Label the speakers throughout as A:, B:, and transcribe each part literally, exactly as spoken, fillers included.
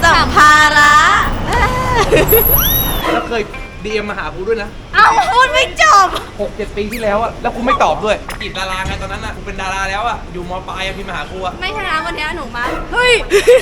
A: สัมภาระ
B: แล้วเคยดีเอ็มมาหากูด้วยนะ
A: เอ้าพูดไม่จบ
B: หกเจ็ดปีที่แล้วอะแล้วกูไม่ตอบด้วยจีบดาราไงตอนนั้นอะกูเป็นดาราแล้วอะอยู่มปลายอะพี่มาหากูอะ
A: ไม่ใช่นะวันนี้หนูมาเฮ้ย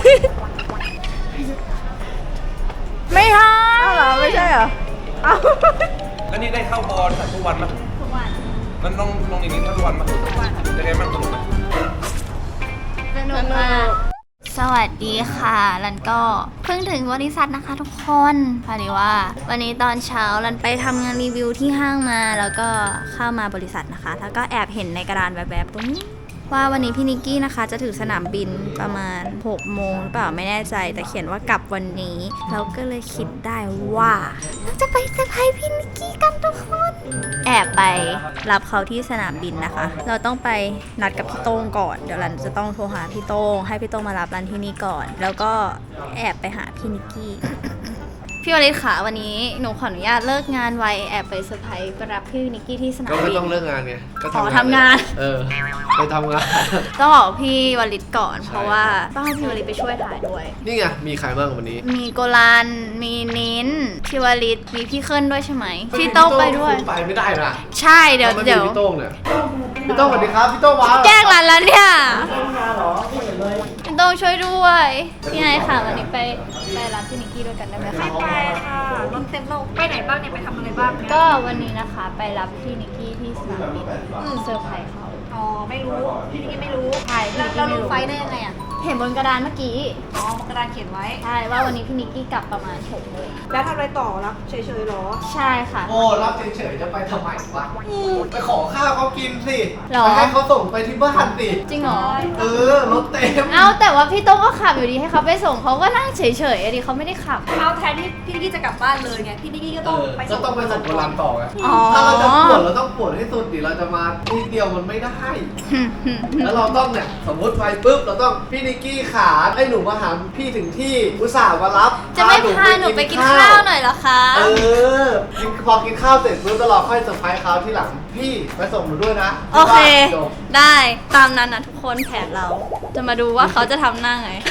A: ไม่ใช่เหรอไม่ใช่เหรอ
B: แล้วนี่ได้เข้าบอลทุกวันมั้ย
A: ทุกวัน
B: มันต้องลงอย่างนี้ทุกวันมั้ยทุกวันจะไงบ้างสนุกไหม
A: สนุกมากสวัสดีค่ะรันก็เพิ่งถึงบริษัทนะคะทุกคนพอดีว่าวันนี้ตอนเช้ารันไปทำงานรีวิวที่ห้างมาแล้วก็เข้ามาบริษัทนะคะแล้วก็แอบเห็นในกระดานแบบๆตรงนี้ว่าวันนี้พี่นิกกี้นะคะจะถึงสนามบินประมาณหกโมงหรือเปล่าไม่แน่ใจแต่เขียนว่ากลับวันนี้เราก็เลยคิดได้ว่าเราจะไปเซอร์ไพรส์พี่นิกกี้กันทุกคนแอบไปรับเขาที่สนามบินนะคะเราต้องไปนัดกับพี่โต้งก่อนเดี๋ยวรันจะต้องโทรหาพี่โต้งให้พี่โต้งมารับรันที่นี่ก่อนแล้วก็แอบไปหาพี่นิกกี้พี่วริศค่ะวันนี้หนูขออนุญาตเลิกงานไวแอบไปเซอร์ไพรส์ไปรับพี่นิกกี้ที่สนามบิน
C: ก็ไม่ต้องเลิกงานไงก็
A: ขอทำงาน
C: เออไปทำงาน
A: ต้องบอกพี่วริศก่อนเพราะว่าต้องให้พี่วริศไปช่วยถ่ายด้วย
C: นี่ไงมีใครบ้างวันนี้
A: มีโกลันมีนิ้นพี่วริศมีพี่เคิลด้วยใช่ไหมพี่โต้งไปด้วย
C: ไปไม่ได้นะ
A: ใช่เดี๋ยวเดี๋ยว
C: พี่โต้งเนี่ยพี่โต้งสวัสดีครับพี่โต้งมา
A: แกล้งรันแล้วเนี่ยพี่โต้งช่วยด้วยพี่ไอค่ะวันนี้ไปไปรับพี่นิกกี้ด้วยกันได้ไหมคะ
D: ไปค่ะรถเต็มโลกไปไหนบ้างเนี่ยไปทำอะไรบ้างเนี่ย
A: ก็วันนี้นะคะไปรับพี่นิกกี้ที่สนามบินเซอร์ไพรส์เขา
D: อ๋อไม่รู้พี่นิกกี้ไม่รู้
A: ใช่พี่นิกกี้ไม่รู้
D: ไฟได้ยังไงอ่ะ
A: เห็นบนกระดานเมื่อกี้
D: อ๋อกระดานเขียนไว้
A: ใช่ว่าวันนี้พี่นิกกี้กลับประมาณหกโมง
D: แล้วทำอะไรต่อรับเฉยๆหรอ
A: ใช่ค่ะ
C: โอ้รับเฉยๆจะไปทำไมวะไปขอข้าวเขากินสิ
A: หรอ
C: ให้เขาส่งไปที่บ้านสิ
A: จริงเหรอ
C: เออรถเต็ม
A: เอ้าแต่ว่าพี่โต้งก็ขับอยู่ดีให้เขาไปส่งเขาก็นั่งเฉยๆดิเขาไม่ได้ขับ
D: เอาแทนที่พี่นิกกี้จะกลับบ้านเลยไงพี่นิกกี้ก็ต้องไปส่ง
C: ก็ต้องไปส่งโบราณต่อไงถ้าเราจะปวดเราต้องปวดให้สุดดิเราจะมาทีเดียวมันไม่ได้แล้วเราต้องเนี่ยสมมติไปปุ๊บเราต้องพี่นิกกี้ขาให้หนูมาหาพี่ถึงที่อุตส่าห์มารับ
A: จะไม่พาหนูไปกินข้าวหน่อยเหรอคะ
C: เออพอกินข้าวเสร็จปุ๊บตลอดค่อยเซอร์ไพรส์เขาที่หลังพี่ไปส่งหนูด้วยนะ
A: โอเคได้ตามนั้นนะทุกคนแผนเราจะมาดูว่าเขาจะทำหน้าไง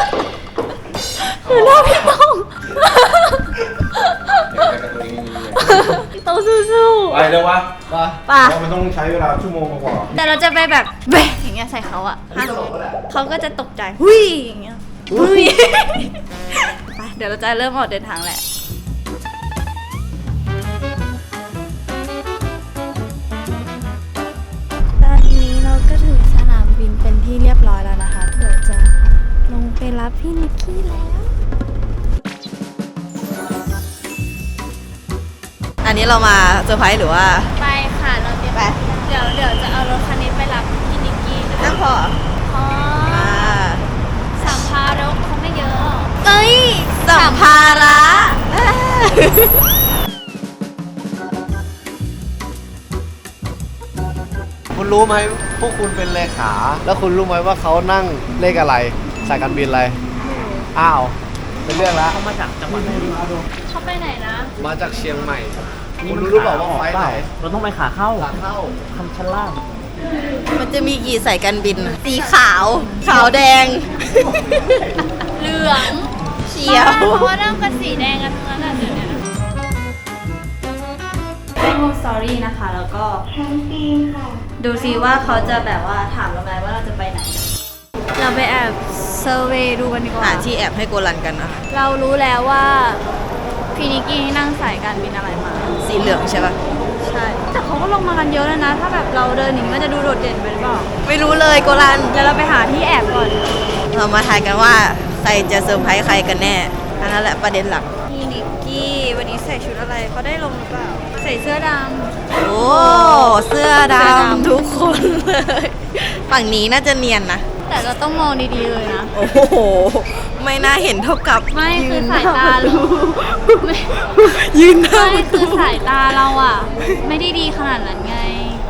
A: คือหน้าพี่ต้องพี่ต้องสู้
B: ๆไปเลยวะ
C: ป่ะ
A: ป่ะ
B: มันต้องใช้เวลาชั่วโมงกว่า
A: แต่เราจะไปแบบแบะอย่างเงี้ยใส่เขาอะเขาก็จะตกใจหุยอย่างเงี้ยหุยไปเดี๋ยวเราจะเริ่มออกเดินทางแหละตอนนี้เราก็ถึงสนามบินเป็นที่เรียบร้อยแล้วนะคะเดี๋ยวจะลงไปรับพี่นิกกี้แล้ว
E: อันนี้เรามาเซอร์ไพรส์หรือว่า
A: ไปค่ะเราจะไปเดี๋ยวเดี๋ยวจะเอารถคันนี้ไปรับพี่นิกกี้
E: นั่งพอ
A: อ๋อสัมภาระเขาไม่เยอะ
E: เอ้ยสัมภาระ
C: คุณรู้ไหมพวกคุณเป็นเลขาแล้วคุณรู้ไหมว่าเขานั่งเลขอะไรสายการบินอะไรอ้าวเป็นเรื่องละ
B: เขามาจากจังหวัดไหน
A: เขาไปไหนนะ
C: มาจากเชียงใหม่คุณรู้หรือเปล่าว่าไฟไหน
B: เราต้องไปขาเข้า
C: ขาเข้า
B: คันชั้นล่าง
E: มันจะมีกี่สายการบินสีขาวขาวแดง
A: เหลือง
E: เขียว
A: เพราะว่านั่งกันสีแดงกันทั้งนั้นเดี๋ยวนี้ได้โมสตอรี่นะคะแล้วก็ดูซิว่าเขาจะแบบว่าถามเราไหมว่าเราจะไปไหนเราไปแอบเซอร์เวย์ดูกันดีกว่า
E: หาที่แอบให้โกลันกันนะ
A: เรารู้แล้วว่าพี่นิกกี้นั่งสายการบินอะไรมา
E: สีเหลืองใช่ปะ
A: ใช่แต่เขาก็ลงมากันเยอะแล้วนะถ้าแบบเราเดินหนีมันจะดูโดดเด่นไปหรือเปล่า
E: ไม่รู้เลยโกลัน
A: เดี๋ยวเราไปหาที่แอบก่อน
E: เรามาทายกันว่าใครจะเซอร์ไพรส์ใครกันแน่อันนั้นแหละประเด็นหลัก
A: พี่นิกกี้วันนี้ใส่ชุดอะไรเขาได้ลงหรือเปล่าใส่เสื้อดำ
E: โอ้เสื้อดำทุกคนเลยฝั่งนี้น่าจะเนียนนะ
A: แต่เราต้องมองดีๆเลยนะ
E: โอ้โหไม่น่าเห็นเท่ากับ
A: ไม่คือสายตาเรา
E: ยืนหน้า
A: ไม่คือสายตาเราอ่ะไม่ได้ดีขนาดนั้นไง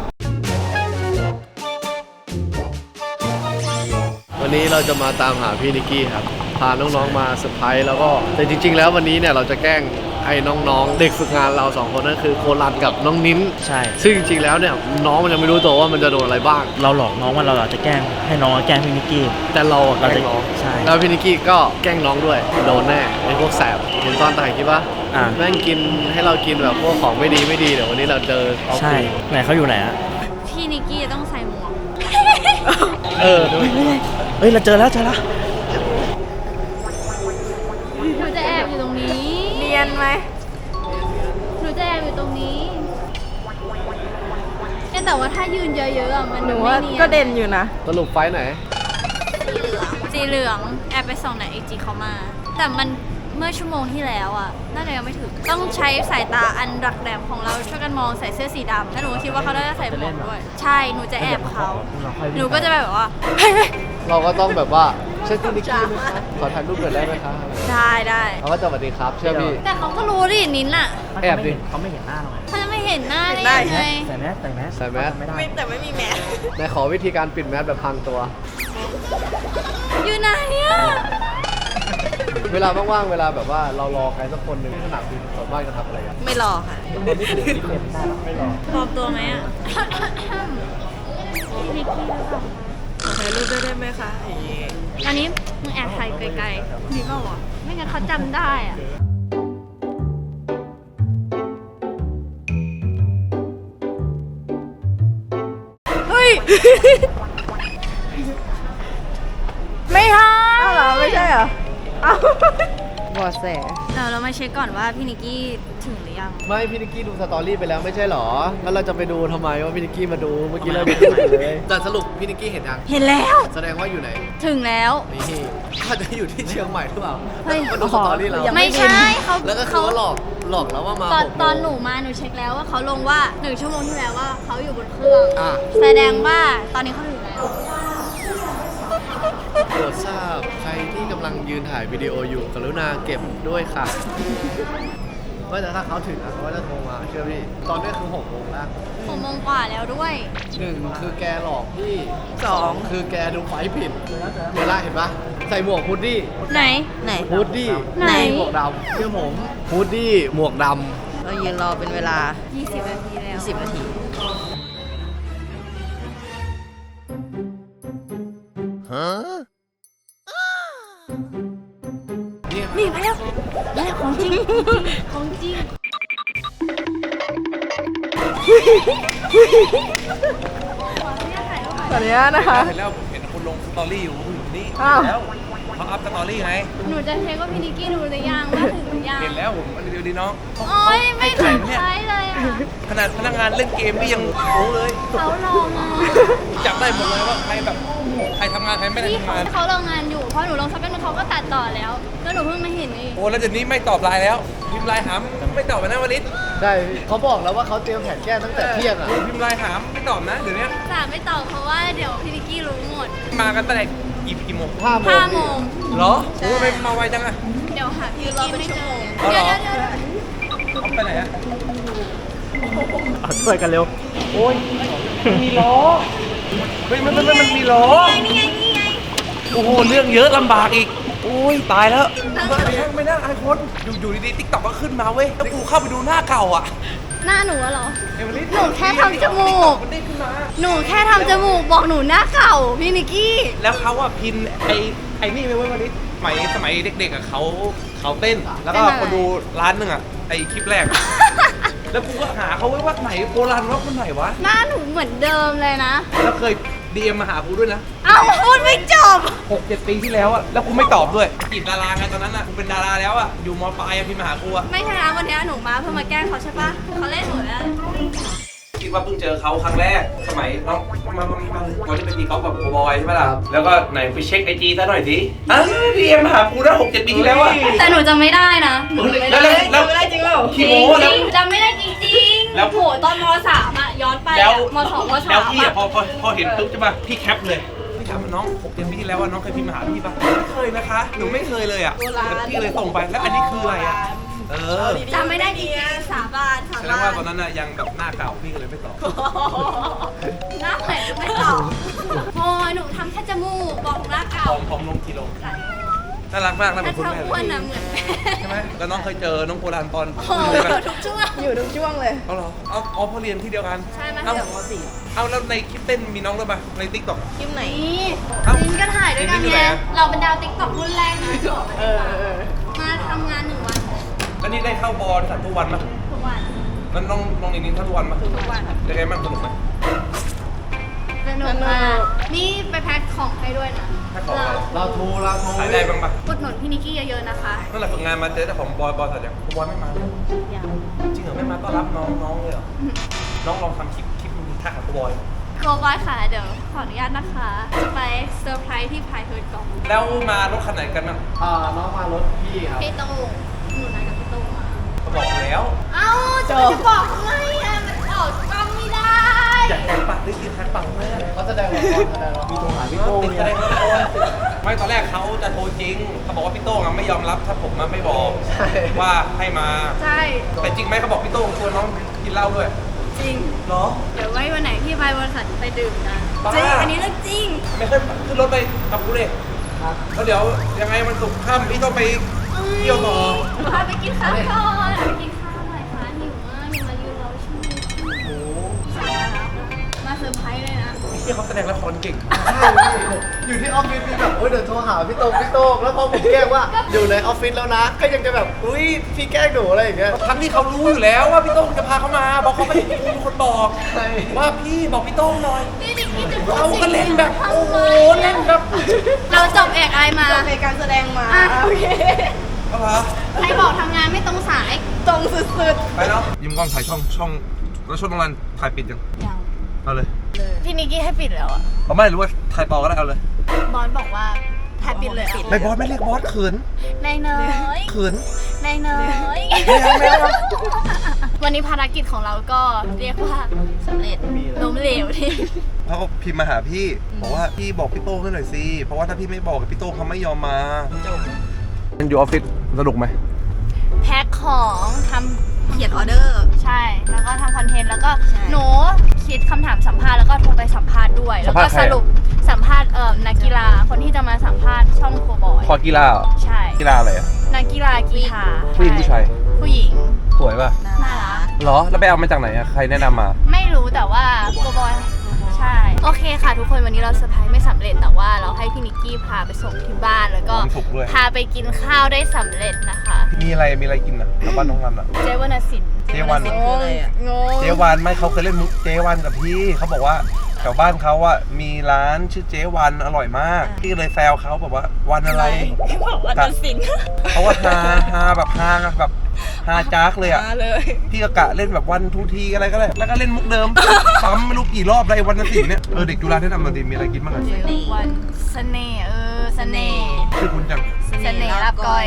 C: วันนี้เราจะมาตามหาพี่นิกกี้ครับพาน้องๆมาเซอร์ไพรส์แล้วก็แต่จริงๆแล้ววันนี้เนี่ยเราจะแกล้งใไอ้น้องๆ เด็กฝึกงานเราสองคนนั่นคือโคลันกับน้องนิ้น
F: ใช่
C: ซึ่งจริงๆแล้วเนี่ยน้องมันยังไม่รู้ตัวว่ามันจะโดนอะไรบ้าง
F: เราหลอกน้องว่าเราอาจจะแกล้งให้น้องแกล้งพี่นิกกี้
C: แต่เราอะแกล้งน้อง
F: ใช่
C: แล้วพี่นิกกี้ก็แกล้งน้องด้วยโดนแน่ไอ้พวกแสบเห็นตอนถ่ายคลิปปะ
F: อ่า
C: แม่งกินให้เรากินแบบพวกของไม่ดีไม่ดีเดี๋ยววันนี้เราเจอเอา
F: ใช่
C: คืน
F: ไหนเขาอยู่ไหนอะ
A: พี่นิกกี้จะต้องใส่หมวก
C: เออ
F: เฮ้ยเฮ้ยเราเจอแล้วเจอแล้ว
A: หนูจะแอบอยู่ตรงนี้
E: เนียนไหม
A: หนูจะแอบอยู่ตรงนี้แต่ว่าถ้ายืนเยอะๆอะมัน
E: หนู
A: ไม่
E: ว่า
A: เนียน
E: ก็เด่นอยู่นะ
C: สรุปไฟท์ไหน
A: สีเหลืองแอบไปส่องในไอจีเขามา แต่มันเมื่อชั่วโมงที่แล้วอ่ะน่าจะยังไม่ถึงต้องใช้สายตาอันดักแหลมของเราช่วยกันมองใส่เสื้อสีดำแล้วหนูก็คิดว่าเขาน่าจะใส่หมวกด้วยใช่หนูจะแอบเขาหนูก็จะแบบว่าเฮ้ย
C: เราก็ต้องแบบว่าใช่พี่นิกกี้ไหมคะขอถ่ายรูปหน่อยได้ไหมคะ
A: ได้ได้
C: เราก็จะสวัสดีครับเชื่อพี่
A: แต่เขาก็รู้ดินินน่ะ
C: แอบดิ
F: เขาไม่เห็นหน้าเราไง
A: เขาจะไม่เห็นหน้าได้
E: ได้
A: ยังไง
F: ใส่แมสใส่แมส
C: ใส่แมส
F: ไม่ได้
E: ไม่แต่ไม่มีแมส
C: ในขอวิธีการปิดแมสแบบพังตัว
A: อยู่ไหนอ่ะ
C: เวลาว่างๆเวลาแบบว่าเรารอใครสักคนหนึ่งที่สนามบินส่วนมากจะทำอะไรกัน
E: ไม่รอค่ะ
C: ไม่รอ
A: ปลอมตัวไหมอ่ะ พี่นิกกี้หรือเปล่า
E: ถ่ายรูปด้วยได้ไหมคะอย่างงี้
A: อันนี้มึงแอบถ่ายไกลๆดีเปล่าวะไม่งั้นเขาจำได้อ่ะ
E: เฮ้ย
A: ไม่ใช่
E: อ้าวเหรอ ไม่ใช่เหรออ้าวบอดแส
A: เราเรามาเช็คก่อนว่าพี่นิกกี้ถึงหรือยัง
C: ไม่พี่นิกกี้ดูสตอรี่ไปแล้วไม่ใช่หรอแล้วเราจะไปดูทำไมว่าพี่นิกกี้มาดูเมื่อกี้เราดูเลยแต่สรุปพี่นิกกี้เห็นยัง
A: เห็นแล้ว
C: แสดงว่าอยู่ไหน
A: ถึงแล้ว
C: นี่อาจจะอยู่ที่เชียงใหม่หรือเปล่า
A: เฮ้ย
C: มาดูสตอรี่เรา
A: ไม่ใช่เขา
C: แล้วก็คือว่าหลอกหลอกแล้วว่ามา
A: ตอน
C: หกโมง
A: ตอนหนูมาหนูเช็คแล้วว่าเขาลงว่าหนึ่งชั่วโมงที่แล้วว่าเขาอยู่บนเครื่อง
C: อ่ะ
A: แสดงว่าตอนนี้เขาถึงแล้ว
C: โปรดทราบใครที่กำลังยืนถ่ายวิดีโออยู่กรุณาเก็บด้วยค่ะว่าแต่ถ้าเขาถึงนะเขาก็จะโทรมาเชื่อพี่ตอนนี้คือหกโมงแล้ว
A: หกโมงกว่าแล้วด้วย
C: หนึ่งคือแกหลอกพี่
E: สอง
C: คือแกดูไฟผิดเดี๋ยวละเห็นปะใส่หมวกฮูดดี้
A: ไหน
E: ไหน
C: ฮูดดี้
A: ไหน
C: หมวกดำเชื่อผมฮูดดี้หมวกด
E: เรายืนรอเป็นเวลา
A: ยี่สิบนาทีแล้ว
E: สิบนาที
C: ำนี่
A: นี่มาแล้วมาแล้วของจริงของจริง
E: ตอนนี้นะคะ
B: เห็นแล้วผมเห็นคนลงสตอรี่อยู่ผมอยู่นี่
E: อ้าว
B: แล้วเขาอัพสตอรี่ไง
A: หนูจะเช็คว่าพี่นิกกี้ดูหรือยังว่าถึงหรือยัง
B: เห็นแล้วผมมันเดียวดีน้อง
A: โอ้ยไม่ถึงใช้เลยอ่ะ
B: ขนาดพนักงานเล่นเกมนี่ยังโอ้เลย
A: เขาลงอ่ะ
B: จับได้หมดเลยว่าใครแบบใครทำงานใครไม่ได้
A: พี่
B: ทำงาน
A: เขาลงงานอยู่เพราะหนูลงสักแป๊บนึงเขาก็ตัดต่อแล้วแล้วหนูเพิ่งมาเห็นเอง
B: โอ้แล้วเดี๋ยวนี้ไม่ตอบไลน์แล้วพิมพ์ไลน์หามไม่ตอบนะวันนี้
C: ได้เขาบอกแล้วว่าเขาเตรียมแผนแก้ตั้งแต่เที่ยงอ่ะ
B: พิมพ์ไลน์หามไม่ตอบนะเดี๋ยวนี้
A: สามไม่ตอบเพราะว่าเดี๋ยวพี่นิกกี้รู้หมด
B: มากันตั้งแต่กี่กี่โมง
C: ห้าโมง
A: ห้าโมง
B: เหรอโอ้ทำไมมาไวจังอะ
A: เดี๋ยวหาพี่นิกกี้ไม่เจอ
B: เอาเหร
A: เดี๋ยว
B: อ
A: เดี๋ยวเดี๋ยว
B: เอาไปไหนอะ
F: เอาช่วยกันเร็ว
B: โอ้ยมันมีล้อเฮ้ยมันมันมันมีล้อ
A: นี่ไงนี่ไง
B: โอ้โหเรื่องเยอะลำบากอีกโอ้ยตายแล้วไม่น่าอายคนอยู่อยู่ดีๆติ๊กต็อกก็ขึ้นมาเว้ยแล้วกูเข้าไปดูหน้าเก่าอ่ะ
A: หน้าหนูอะเหรอ
B: เอเวอร์ลิส
A: หนูแค่ทำจมูก
B: มันได้ขึ้นมา
A: หนูแค่ทำจมูกบอกหนูหน้าเก่าพี่นิกกี้
B: แล้วเขาอะพินไอไอนี่ไปเว้ยวันนี้สมัยสมัยเด็กๆอะเขาเขาเต้น แล้วก็คนดูร้านหนึ่งอะไอคลิปแรก แล้วกูก็หาเขาไว้ว่าไหนโบราณว่าคนไหนวะ
A: หน้าหนูเหมือนเดิมเลยนะ
B: แล้วเคยดีเอ็มมาหากูด้วยนะ
A: เอ้าพูดไม่จบ
B: หกเจ็ดปีที่แล้วอะแล้วกูไม่ตอบด้วยจีบดาราไงตอนนั้นอะกูเป็นดาราแล้วอะอยู่มปลายอะพิมพ์มาหากูอะ
A: ไม่ใช่นะวันนี้หนูมาเพื่อมาแกล้งเขาใช่ปะเขาเล่นหนูแล้ว
B: คิดว่าเพิ่งเจอเขาครั้งแรกสมัยน้องมามามาวันที่ไปตีกอล์ฟกับโบบอยใช่ไหมล่ะแล้วก็ไหนไปเช็คไอจีซะหน่อยสิอ้าวดีเอ็มมาหากูได้หกเจ็ดปีที่แล้วอะ
A: แต่หนูจำไม่ได้นะหนูจำไม่
B: แล้ว
A: ได้
B: แล้วแล้ว
E: ไม่ได้จริงเปล่า
B: ขี้โม้
A: จ
B: แล้ว
A: ริงๆจำไม่ได้จริงๆ
B: แล้ว
A: โหตอนมสามอะย้อนไป
B: แล้ว
A: อะมสองมสา
B: แล้ว
A: ม
B: พี่อะ
A: อะ
B: พอพอพอเห็นปุ๊บใช่ป่ะพี่แคปเลยพี่ถามว่าน้องหกเดือนปีที่แล้วว่าน้องเคยพิมพ์มาหาพี่ป่ะไม่เคยนะคะหนูไม่เคยเลยอะแล้วพี่เลยส่งไปแล้วอันนี้คืออะไรอะเออ
A: จำไม่ได้จริงๆสาบานสา
B: แสด
A: บาง
B: ว่าน ตอนนั้นอะยังแบบหน้าเก่าพี่ก็เลยไม่ตอบ
A: หน้าใหม่ไม่ตอบโอ้ยหนูทำแค่จมูกบอกหน้า
B: พ
A: เก่า
B: ร้อมพร้อมลงกิโล
A: หลายโล
B: น่ารักมากนะเป็
A: ถ้าน
B: คุณ
A: เขา
B: แม่
A: อ้วนนะเหมือนแม่
B: ใช่ไหมแล้วน้องเคยเจอน้องโบราณตอน
A: โอ้โห
B: ใช่ไหม
A: ทุกช่วง
E: อยู่ทุกช่วงเลย
B: เอาเหรอเอาเอาพอเรียนที่เดียวกัน
A: ใช่ไหม
B: เอา
E: เดี๋ยวมสี่
B: เอาแล้วในคลิปเต้นมีน้องด้วยปะในติ๊กต็อก
E: คลิปไหน
A: นี่
B: เอ้า
A: ลินก็ถ่ายด้วยกัน
B: ลินอยู่ไห
A: ไง
B: นอะ
A: เราเป็นดาวติ๊กต็อกรุ่นแรกนะ
E: เออเออ
A: มาทำงานหนึ่งวัน
B: แล้วนี่ได้เข้าบอลสัตว์ทุกวันปะ
A: ทุกวัน
B: แล้วน้องน้องนินเข้าทุกวันปะ
A: ทุกวัน
B: ยังไงบ้างสนุกไหม
A: สนุกมากนี่ไปแพ็คของให้ด้วยนะ
B: แพ็คของอะไร
C: เราโทรเราโทร
B: ขายได้บ้างปะ
A: อุดหนุนพี่นิกกี้เยอะๆนะคะ
B: นั่นแหละฝึกงานมาเจอแต่ของบอยบอยสัตว์ยังบอยไม่มาเลยจริงเหรอไม่มาต้อนรับน้องน้องเลยเหรอน้องลองทำคลิปคลิปมีทักกับบบอย
A: โกบอยค่ะ เดี๋ยวขออนุญาตนะคะ จะไปเซอร์ไพรส์ที่พายเฮิร์ดก่อน
B: แล้วมารถคันไหนกันนะ
C: อ่าน้องมารถพี่ครับ
A: พี่โต้งหนูนัดกับพี่โต้งมา
B: เขาบอกแล้ว
A: เอ้าจะไปจะบอกทำไมอ่ะมันออกกล้องไม่ได้
B: อยากแทงปากได้ติดแทงปากแม่
C: เขาแสดงละครแสดงละคร
F: มีโทรหาพี่โต้ง
B: ติด
F: เนี่
B: แสด
F: ย
B: งละครไม่ตอนแรกเขาจะโทรจริงเขาบอกว่าพี่โต้งอะไม่ยอมรับถ้าผมอะไม่บอก
C: ใช่
B: ว่าให้มา
A: ใช่
B: แต่จริงไหมเขาบอกพี่โต้งชวนน้องกินเหล้าด้วย
A: จริง
B: เหรอ
A: เดี๋ยวไว้วันไหนพี่ไปบริษัทไปดื่มกัน
B: บ้า
A: จริง อันนี้เรื่องจริง
B: ไม่เคยขึ้นรถไปกับกูเลย
C: ครับ
B: แล้วเดี๋ยวยังไงมันสุกร์ค่ำพี่ต้องไปเที่ยวต่อ
A: พาไปกินข้าวก่อนไปกินข้าวหน่อยค่ะหิวมากหิวมายืนรอชั่วโมง
B: โอ้โห
A: มาเซอร์ไพรส์เลยนะ
B: พี่เขาแสดงละครเก่ง
C: ใช่พี่อยู่ที่ออฟฟิศพี่แบบเอ้ยเดี๋ยวโทรหาพี่โต้งพี่โต้งแล้วพอผมแกล้งว่าอยู่ในออฟฟิศแล้วนะ ก็ยังจะแบบอุ้ยพี่แกล้งหนูอะไรอย่างเงี้ย
B: ทั้งที่เขารู้อยู่แล้วว่าพี่โต้งจะพาเขามาบอกเขาไม่ได้เป็นคนบอก
C: ใช่
B: ว่าพี่บอกพี่โต้งหน่อย
A: นี่นิกกี้จะพูด
B: เราก็เล่นแบบโอ้โหเล่นแบบ
A: เราจบเอกไอมา
E: จบในการแสดงมา
A: อ่ะ
E: โอเค
B: เอาเหรอ
A: ใครบอกทำงานไม่ตรงสาย
E: ตรงสุด
B: ไปเนาะยิ้มกล้องถ่ายช่องช่องแล้วช่องตรงนั้นถ่ายปิดยัง
A: ยัง
B: เอาเลย
A: พี่นิกกี้ให้ปิดแล้วอ่ะ
B: เอาไม่หรือว่าถ่ายต่อก็ได้เอาเลย
A: บอสบอกว่าถ่ายปิดเลยอ่ะ
B: ไม่บอสไม่เรียกบอสเขิน
A: นายน้อย
B: เขิน
A: นายน้อย
B: ไม่เอาไม่เอา
A: วันนี้ภารกิจของเราก็เรียกว่าสำเร็จล้มเหลวที่
B: เขาก็พิมพ์มาหาพี่บอกว่าพี่บอกพี่โต้งให้หน่อยสิเพราะว่าถ้าพี่ไม่บอกพี่โต้งเขาไม่ยอมมามันอยู่ออฟฟิศสนุกไหม
A: แพ็คของทำ
E: ๆ เขียนออเดอร์
A: ใช่ แล้วก็ทำคอนเทนต์แล้วก็
E: ใช่
A: หนูคิดคำถามสัมภาษณ์แล้วก็โทรไปสัมภาษณ์ด้วย แล้วก็สรุปสัมภาษณ์เอ่อนักกีฬาคนที่จะมาสัมภาษณ์ช่องโคบอย
B: คอกีฬาเหรอ
A: ใช่
B: กีฬาอะไรอ่ะ
A: นักกีฬากีฬา
B: ผู้หญิงผู้ชาย
A: ผู้หญิง
B: สวยป่ะ
A: น่ารัก
B: เหรอแล้วไปเอามาจากไหนอ่ะใครแนะนำมา
A: ไม่รู้แต่ว่าโกบอยใช่ โอเคค่ะทุกคนวันนี้เราเซอร์ไพรส์ไม่สำเร็จแต่ว่าเราให้พี่นิกกี้พาไปส่งที่บ้านแล้วก็
B: ความสุขด้วย
A: พาไปกินข้าวได้สำเร็จนะคะ
B: มีอะไรมีอะไรกินอ่ะกับบ้านน้องรันอ่ะ
A: เจวนาสิน
B: เจวัน
E: สินคืออะไรอ่ะ
A: งง
B: เจวันไม่เขาเคยเล่นมุกเจวันกับพี่เขาบอกว่าแถวบ้านเขาอ่ะมีร้านชื่อเจวันอร่อยมากพี่เลยแซวเขาแบบว่าวันอะไร
E: บอกว่าตัดสิน
B: เขาว่าฮาฮาแบบฮาแบบฮาจักเลยอ่ะ
E: มาเลย
B: พี่ก็กะเล่นแบบวันทูทีอะไรก็ได้ แล้วก็เล่นมุกเดิม ซ้ำไม่รู้กี่รอบเลยวันละสี่เนี่ย เออเด็กจุฬาแนะนำมาดีมีอะไรกินบ้างอ่ะ
A: วันเสน่ห์เออเสน่ห์
B: ชื่อคุณจัง
A: เสน่ห์รับก้อย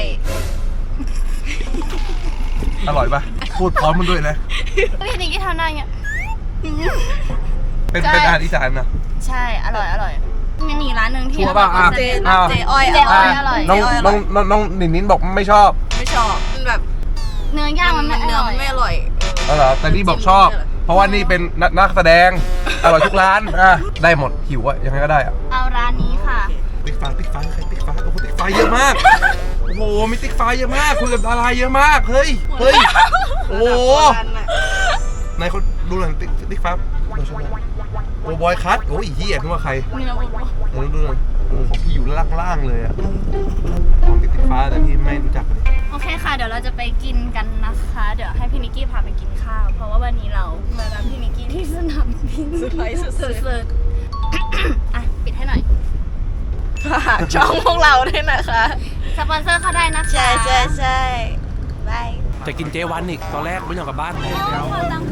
B: อร่อยปะพูดพร้อมมันด้วยนะ
A: พี่นิกกี้ทำได้ไง
B: เป็น
A: ใช่
B: เป็นอาหารอีสานนะ
A: ใช่ อร่อย อร่อยมันมีร้านหนึ่งที่
B: ชัวร์ป่ะอ่ะ
E: เจ
B: อ้าว
E: เจอ้อย
A: เจอ้อยอร่อย
B: น้องน้องน้องน้องนินนินบอกไม่ชอบ
E: ไม่ชอบมันแบบ
A: เนื้อย่างมันไม่อ
E: เนื้อ
A: ร่อ
E: มั
A: ย
E: นไม่อร่อย
B: เออเหรอแต่นี่บอกชอบ เพราะว่านี่เป็นนักนักแสดง อร่อยทุกร้าน อ่ะ ได้หมดหิวอะยังไงก็ได้อะ
A: เอาร้านนี้ค่ะ
B: ติ๊กฟ้าติ๊กฟ้าใครติ๊กฟ้าโอ้โหติ๊กฟ้าเยอะมาก โอ้โหมีติ๊กฟ้าเยอะมากคุยกับดาราเยอะมาก เฮ้ย เฮ้ย โอ้โห นายเขาดูหน่อยติ๊กติ๊กฟ้าโอ้บอยคัทโอ้ยเฮียนึกว่าใคร
A: เนื้อวัว
B: เออดูหน่อยโอ้ของพี่อยู่ล่างล่างๆเลยอะของติ๊กติ๊กฟ้าแต่พี่ไม่รู้จักเลย
A: โอเคค่ะ เดี๋ยวเราจะไปกินกันนะคะ เดี๋ยวให้พี่นิกกี้พาไปกินข้าว เพราะว่าวันนี้เรามารับพี่นิกกี้ที่สนามบิน
E: เซอร์ไพรส์สุดๆ
A: สุดๆอ่ะ ปิดให้หน่อย
E: ฝากช่องพวกเราด้วยนะคะ
A: สปอนเซอร์เข้าได้นะคะ
E: ใช่ใช่ใช่บาย
B: จะกินเจวันอีกตอนแรกไม่ยอมกลับบ้าน
A: โอ้ขอตังค์